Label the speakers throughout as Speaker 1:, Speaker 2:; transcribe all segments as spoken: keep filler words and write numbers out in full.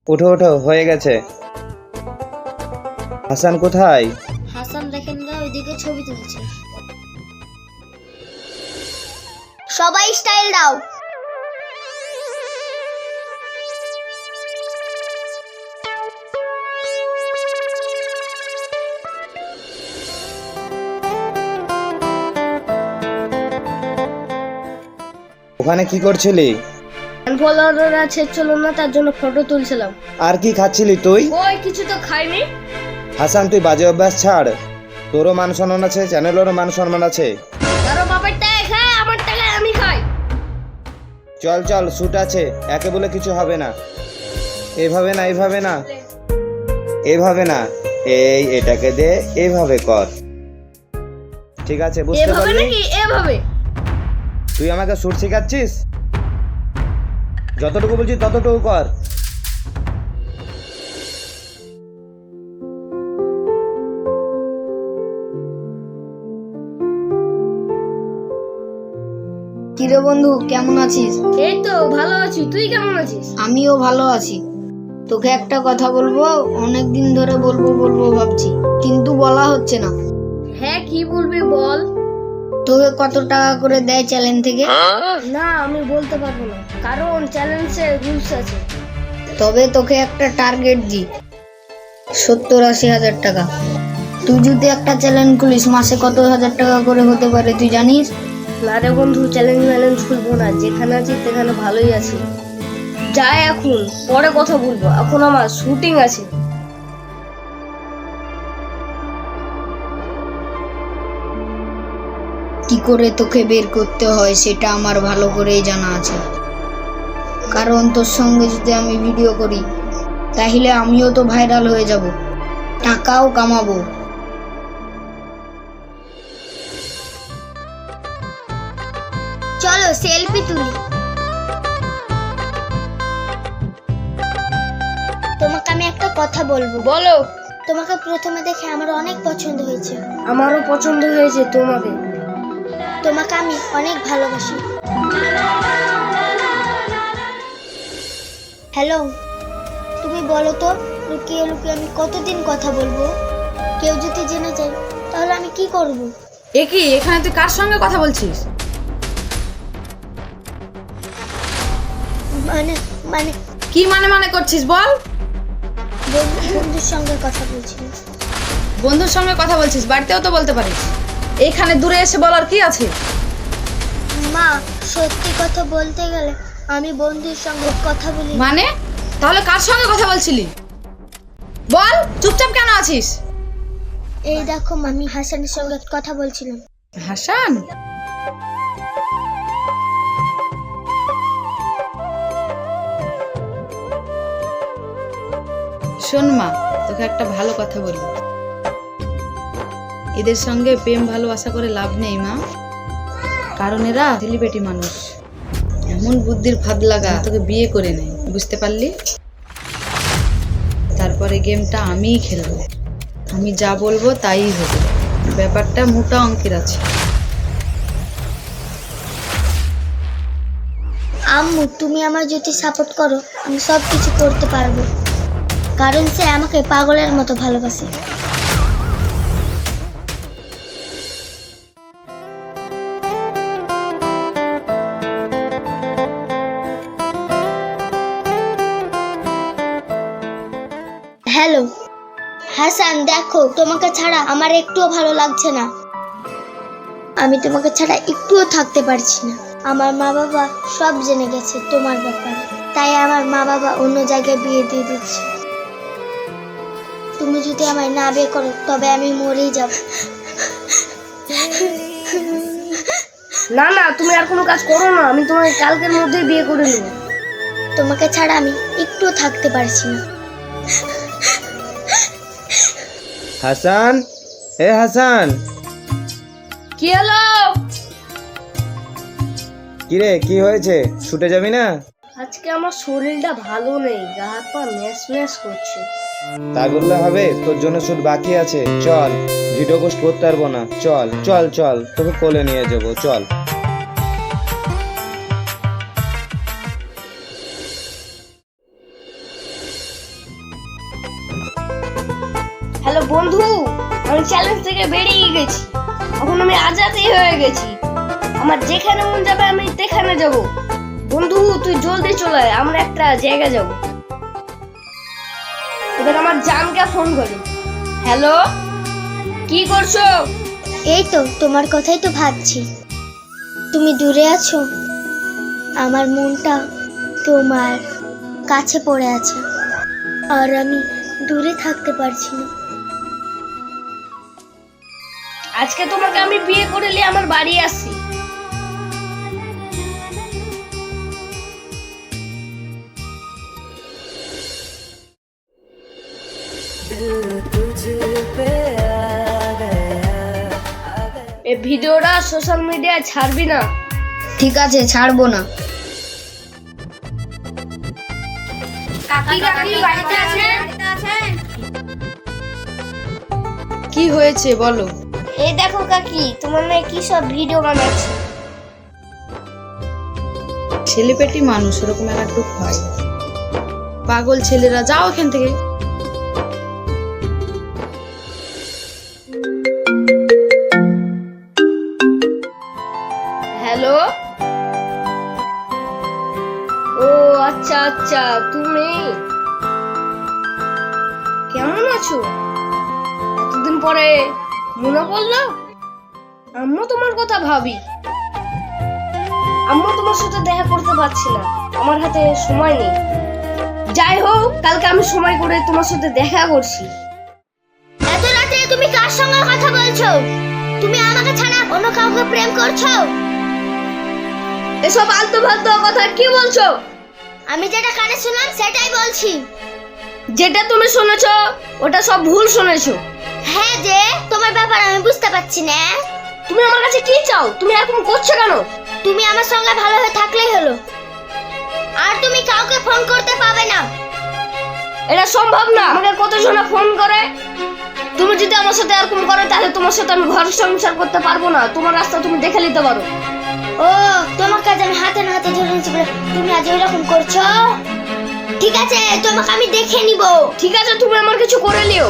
Speaker 1: উঠো উঠো, হয়ে গেছে। হাসান কোথায়?
Speaker 2: হাসান দেখেন না, ওইদিকে ছবি তুলছে। সবাই স্টাইল দাও।
Speaker 1: ওখানে কি করছিলি?
Speaker 2: ফলোয়ার আছে চলো না, তার জন্য ফটো তুলছিলাম।
Speaker 1: আর কি খাচ্ছিলি তুই?
Speaker 2: ওই কিছু তো খাইনি।
Speaker 1: হাসান তুই বাজে অভ্যাস ছাড়, তোরও মান সম্মান আছে, চ্যানেলেরও মান সম্মান আছে।
Speaker 2: কারো বাবার টাকা খায়, আমার টাকায় আমি খাই।
Speaker 1: চল চল, শুট আছে, একে বলে কিছু হবে না। এভাবে না, এভাবে না, এভাবে না, এই এটাকে দে, এইভাবে কর। ঠিক আছে, বুঝতে
Speaker 2: এভাবে
Speaker 1: পারলি?
Speaker 2: নাকি এভাবে?
Speaker 1: তুই আমাকে শুট শেখাচ্ছিস? যতটুকু বলছি ততটুকু কর।
Speaker 3: কিরে বন্ধু, কেমন আছিস?
Speaker 2: এই তো ভালো আছি, তুই কেমন আছিস?
Speaker 3: আমিও ভালো আছি। তোকে একটা কথা বলবো, অনেক দিন ধরে বলবো বলবো ভাবছি, কিন্তু বলা হচ্ছে না।
Speaker 2: হ্যাঁ কি বলবি বল।
Speaker 3: তোকে কত টাকা করে দেয় চ্যানেল থেকে?
Speaker 2: না আমি বলতে পারবো না, কারণ চ্যালেঞ্জের রুলস আছে।
Speaker 3: তবে তোকে একটা টার্গেট দি, সত্তর আশি হাজার টাকা। তুই যদি একটা চ্যানেল খুলিস, মাসে কত হাজার টাকা করে হতে পারে তুই জানিস?
Speaker 2: না রে বন্ধু, চ্যালেঞ্জ ম্যালেঞ্জ খুলবো না, যেখানে আছি সেখানে ভালোই আছি। যাই এখন, পরে কথা বলবো, এখন আমার শুটিং আছে।
Speaker 3: কি করে তোকে বের করতে হয় সেটা আমার ভালো করেই জানা আছে, কারণ তোর সঙ্গে যদি আমি ভিডিও করি তাহলে আমিও তো ভাইরাল হয়ে যাব, টাকাও কামাবো।
Speaker 2: চলো সেলফি তুলি।
Speaker 4: তোমাকে আমি একটা কথা বলবো।
Speaker 2: বলো।
Speaker 4: তোমাকে প্রথমে দেখে আমার অনেক পছন্দ হয়েছে।
Speaker 2: আমারও পছন্দ হয়েছে তোমাকে।
Speaker 4: তোমাকে আমি অনেক ভালোবাসি। হ্যালো, তুমি বলো তো, লুকিয়ে লুকিয়ে আমি কতদিন কথা বলবো? কেউ যদি জেনে যায় তাহলে আমি কি করব?
Speaker 5: এ কি, এখানে তুই কার সঙ্গে কথা বলছিস?
Speaker 4: মানে মানে
Speaker 5: কি মানে মানে করছিস বল?
Speaker 4: বন্ধু- বন্ধুর সঙ্গে কথা বলছি।
Speaker 5: বন্ধুর সঙ্গে কথা বলছিস, বাড়িতেও তো বলতে পারিস। এখানে দূরে এসে বলার কি আছে?
Speaker 4: মা, সত্যি কথা বলতে গেলে আমি বন্ধুর সঙ্গে কথা বলি।
Speaker 5: মানে তাহলে কার সঙ্গে কথা বলছিলি বল? চুপচাপ কেন আছিস?
Speaker 4: এই দেখো, আমি হাসানের সঙ্গে কথা বলছিলাম।
Speaker 5: হাসান? শোন মা, তোকে একটা ভালো কথা বলি, এদের সঙ্গে প্রেম ভালোবাসা করে লাভ নেই মা, কারণ এরা সেলিব্রিটি মানুষ, এমন বুদ্ধির ফাঁদ লাগা তোকে বিয়ে করে নেয়, বুঝতে পারলি? তারপরে গেমটা আমিই খেলবো, আমি যা বলবো তাই হবে, ব্যাপারটা মোটা অঙ্কের আছে।
Speaker 4: আম্মু, তুমি আমার যদি সাপোর্ট করো আমি সব কিছু করতে পারবো, কারণ সে আমাকে পাগলের মতো ভালোবাসে। হ্যালো হাসান, দেখো তোমাকে ছাড়া আমার একটুও ভালো লাগছে না। আমি তোমাকে ছাড়া একটুও থাকতে পারছি না। আমার মা বাবা সব জেনে গেছে তোমার ব্যাপারে, তাই আমার মা বাবা অন্য জায়গায় বিয়ে দিয়ে দিচ্ছে। তুমি যদি আমায় না বিয়ে করো তবে আমি মরেই যাব।
Speaker 2: না না, তুমি আর কোনো কাজ করো না, আমি তোমাকে কালকের মধ্যেই বিয়ে করে নেব।
Speaker 4: তোমাকে ছাড়া আমি একটুও থাকতে পারছি না।
Speaker 1: হাসান, এ হাসান,
Speaker 2: কি হলো?
Speaker 1: কিরে কি হয়েছে? শুটে যাবি না?
Speaker 2: আজকে আমার শরীরটা ভালো নেই, গা হাত পা ম্যাশ ম্যাশ করছে।
Speaker 1: তাই বললে হবে? তোর জন্য শুট বাকি আছে, চল। ভিডিও পোস্ট করতে পারবো না, চল চল চল, তোকে কোলে নিয়ে যাবো, চল।
Speaker 2: চ্যালেঞ্জ থেকে বেরিয়ে গেছি। এখন আমি আজাদই হয়ে গেছি। আমার যেখানে মন যাবে আমি সেখানে যাব। বন্ধু তুই জলদি চলে আয়, আমরা একটা জায়গা যাব। এবার আমার জানকে ফোন করি। হ্যালো, কি করছো?
Speaker 4: এই তো তোমার কথাই তো ভাবছি। তুমি দূরে আছো, আমার মনটা তোমার কাছে পড়ে আছে, আর আমি দূরে থাকতে পারছি না।
Speaker 2: আজকে তোমাকে আমি বিয়ে করে নিয়ে আমার বাড়ি আসি। এই ভিডিওটা সোশ্যাল মিডিয়ায় ছাড়বি না।
Speaker 3: ঠিক আছে, ছাড়বো না।
Speaker 5: কি হয়েছে বলো?
Speaker 2: এই দেখো কাকি, তোমার মেয়ে কি সব ভিডিও বানাচ্ছে।
Speaker 5: ছেলেপেটি মানুষ এরকম একটু হয়। পাগল ছেলেরা, যাও এখান থেকে।
Speaker 2: হ্যালো, ও আচ্ছা আচ্ছা, তুমি কেমন আছো? এতদিন পরে মনে পড়লো? আম্মু তোমার কথা ভাবি। আম্মু তোমার সাথে দেখা করতে পারছি না, আমার হাতে সময় নেই। যাই হোক, কালকে আমি সময় করে তোমার সাথে দেখা করছি।
Speaker 4: এত রাতে তুমি কার সঙ্গে কথা বলছো? তুমি আমাকে ছাড়া অন্য কাউকে প্রেম করছো?
Speaker 2: এসব আলতু ফালতু কথা কি বলছো?
Speaker 4: আমি যেটা কানে শুনলাম সেটাই বলছি।
Speaker 2: যেটা তুমি শুনেছো ওটা সব ভুল শুনেছো।
Speaker 4: হ্যাঁ, যে তোমার ব্যাপার আমি বুঝতে পারছি না।
Speaker 2: তুমি আমার কাছে কি চাও? তুমি এরকম করছো কেন?
Speaker 4: তুমি আমার সঙ্গে ভালো হয়ে থাকলেই হলো, আর তুমি কাউকে ফোন করতে পাবে না।
Speaker 2: এটা সম্ভব না। আমাকে কতজনা ফোন করে। তুমি যদি আমার সাথে এরকম করো তাহলে তোমার সাথে আমি ঘর সংসার করতে পারবো না। তোমার রাস্তা তুমি দেখে নিতে পারো।
Speaker 4: ও, তোমার কাছে আমি হাতে না হাতে ধরে নিচ্ছি বলে তুমি আজ এরকম করছো? ঠিক আছে, তোমাকে আমি দেখে নিব।
Speaker 2: ঠিক আছে, তুমি আমার কিছু করে নিও।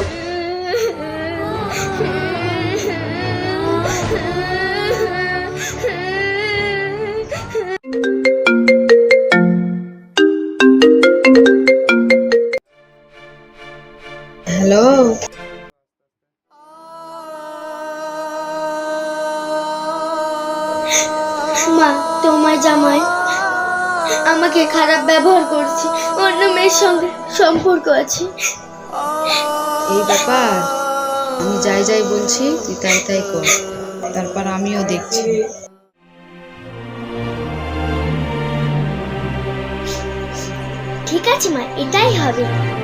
Speaker 5: হ্যালো,
Speaker 4: মা, তোমার জামাই আমাকে খারাপ ব্যবহার করছে, অন্য মেয়ের সঙ্গে সম্পর্ক আছে।
Speaker 5: এই ব্যাপার? আমি যাই যাই বলছি তুই তাই তাই কর, তারপর আমিও দেখছি।
Speaker 4: ঠিক আছে মা, এটাই হবে।